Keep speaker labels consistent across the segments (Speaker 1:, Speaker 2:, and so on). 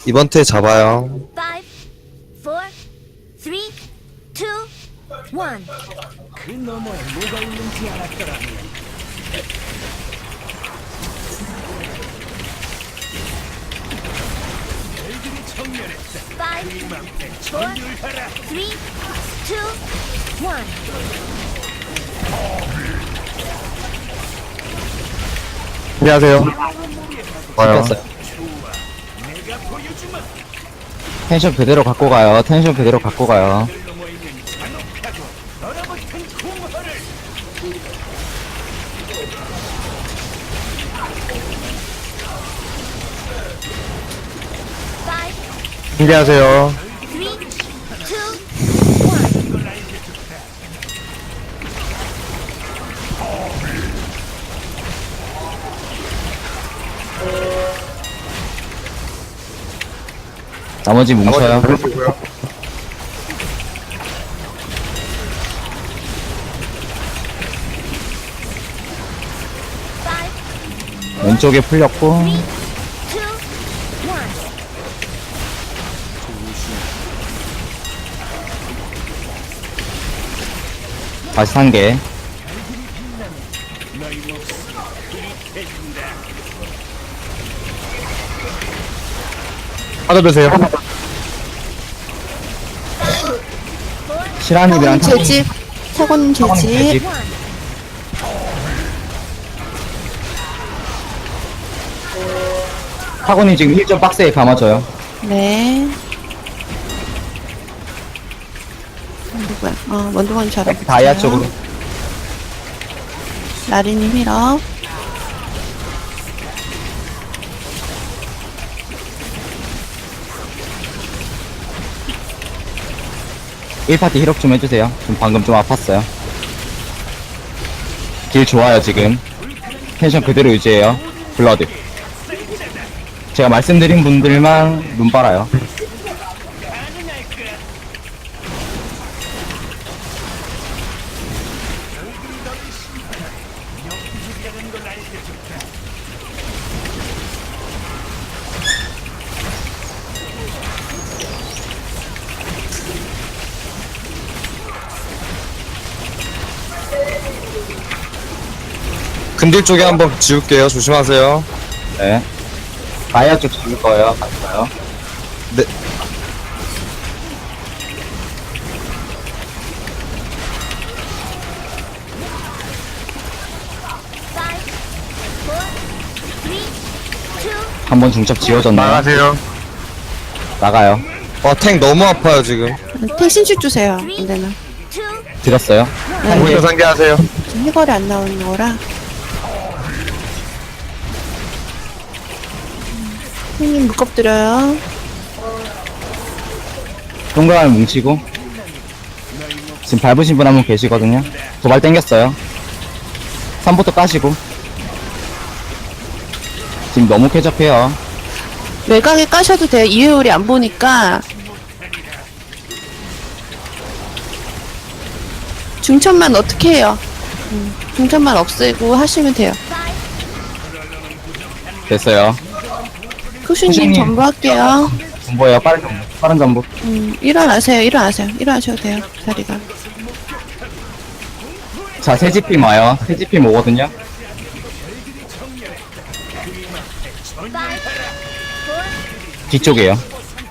Speaker 1: 이번 테 잡아요.
Speaker 2: 5, 4, 3, 2, 1.
Speaker 3: 그 너머에 뭐가 있는지 알았더라면 별들이 청멸했다.
Speaker 2: 5,
Speaker 3: 이맘때
Speaker 2: 4,
Speaker 3: 전율하라.
Speaker 2: 3, 2, 1.
Speaker 4: 안녕하세요. 와요.
Speaker 5: 찍혔어요.
Speaker 3: 내가 보여주마.
Speaker 5: 텐션 그대로 갖고 가요. 텐션 그대로 갖고 가요.
Speaker 3: 별 넘어 있는 잔혹하고 얼어붙은 공허를
Speaker 4: 준비하세요.
Speaker 2: 3, 2, 1.
Speaker 5: 나머지 뭉쳐요.
Speaker 4: 그러시고요.
Speaker 5: 왼쪽에 풀렸고
Speaker 2: 2, 1.
Speaker 5: 다시 산개.
Speaker 4: 받아주세요.
Speaker 5: 시라님이랑
Speaker 6: 재집, 사고님 재집.
Speaker 5: 재집. 타고님 지금 1점 박스에 감아줘요.
Speaker 6: 네. 누구야? 원동원 저랑.
Speaker 5: 다이아 쪽으로.
Speaker 6: 나리님 힐업.
Speaker 5: 일 1파티 힐업 좀 해주세요. 좀 방금 좀 아팠어요. 길 좋아요 지금. 텐션 그대로 유지해요. 블러드. 제가 말씀드린 분들만 눈 빨아요.
Speaker 1: 근딜 쪽에 한번 지울게요. 조심하세요.
Speaker 5: 네. 다이아 쪽 잡을 거예요. 갔어요.
Speaker 1: 네.
Speaker 5: 한번 중첩 지워졌나요?
Speaker 4: 나가세요.
Speaker 5: 나가요.
Speaker 1: 탱 너무 아파요, 지금.
Speaker 6: 택신축 주세요. 안 되나?
Speaker 5: 드렸어요.
Speaker 4: 오미터 상계하세요.
Speaker 6: 지금 해걸이 안 나오는 거라. 형님 묶업드려요.
Speaker 5: 동그라미 뭉치고. 지금 밟으신 분 한 분 계시거든요. 도발 땡겼어요. 3부터 까시고. 지금 너무 쾌적해요.
Speaker 6: 외곽에 까셔도 돼요. 이회율이 안 보니까. 중천만 어떻게 해요? 중천만 없애고 하시면 돼요.
Speaker 5: 됐어요.
Speaker 6: 쿠슈님
Speaker 5: 쿠슈님.
Speaker 6: 전부 할게요.
Speaker 5: 전보예요. 빠른 전보. 빠른 전보.
Speaker 6: 일어나세요. 일어나세요. 일어나셔도 돼요. 자리가.
Speaker 5: 자, 새집팀 와요. 새집팀 오거든요. 뒤쪽이에요.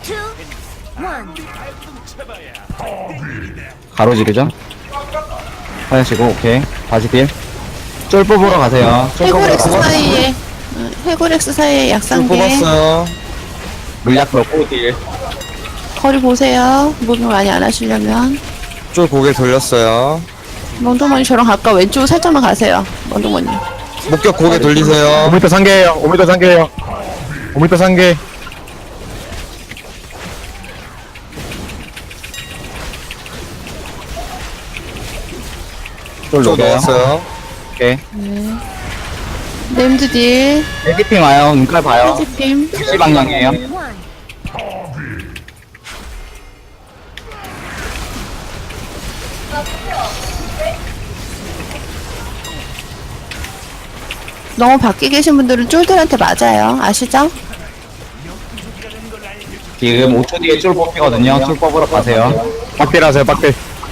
Speaker 5: 가로지르죠? 하시고, 오케이. 다시 딜. 쫄 뽑으러 가세요. 쫄 뽑으러
Speaker 6: 해골엑스
Speaker 5: 가세요.
Speaker 6: 사이에 해골엑스 사이에
Speaker 1: 좀
Speaker 6: 약상계
Speaker 1: 뽑았어요.
Speaker 5: 물약 넣고 딜.
Speaker 6: 거리 보세요. 무빙 많이 안 하시려면
Speaker 1: 쫄 고개 돌렸어요.
Speaker 6: 멍동머니 저랑 가까 왼쪽 살짝만 가세요. 멍동머니.
Speaker 1: 목격 고개 돌리세요.
Speaker 4: 5m 상계예요. 5m 상계예요. 5m 상계.
Speaker 5: 쫄
Speaker 1: 쫄
Speaker 5: 녹여요.
Speaker 1: 넣었어요.
Speaker 5: 오케이.
Speaker 6: 네임드 딜.
Speaker 5: 새집팀 와요. 눈깔 봐요.
Speaker 6: 해지팀.
Speaker 5: 6시 방향이에요.
Speaker 6: 너무 밖에 계신 분들은 쫄들한테 맞아요. 아시죠?
Speaker 5: 지금 5초 뒤에 쫄 뽑히거든요. 쫄 뽑으러 가세요.
Speaker 4: 빡딜 하세요, 빡딜.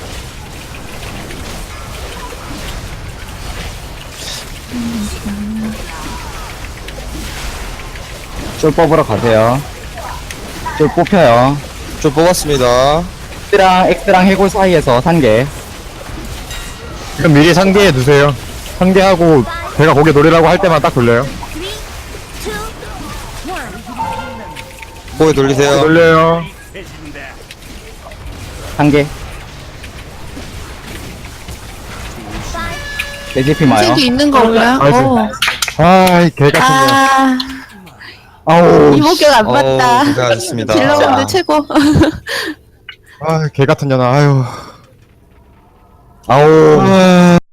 Speaker 5: 쫄 뽑으러 가세요. 쫄 뽑혀요.
Speaker 1: 쫄 뽑았습니다.
Speaker 5: X랑 해골 사이에서 산개.
Speaker 4: 그럼 미리 상계해 두세요. 상계하고 제가 고개 돌리라고 할 때만 딱 돌려요.
Speaker 2: 3, 2, 1.
Speaker 1: 고개 돌리세요.
Speaker 4: 돌려요.
Speaker 5: 산개. 레시피 마요.
Speaker 6: 책이 있는 건가요?
Speaker 4: 나이스. 아이, 개 같은 거.
Speaker 6: 아,
Speaker 4: 아우,
Speaker 6: 이목격 안
Speaker 1: 어우,
Speaker 6: 봤다.
Speaker 1: 고생하셨습니다.
Speaker 6: 딜러분들 최고.
Speaker 4: 아, 개 같은 년아, 아유.
Speaker 5: 아우.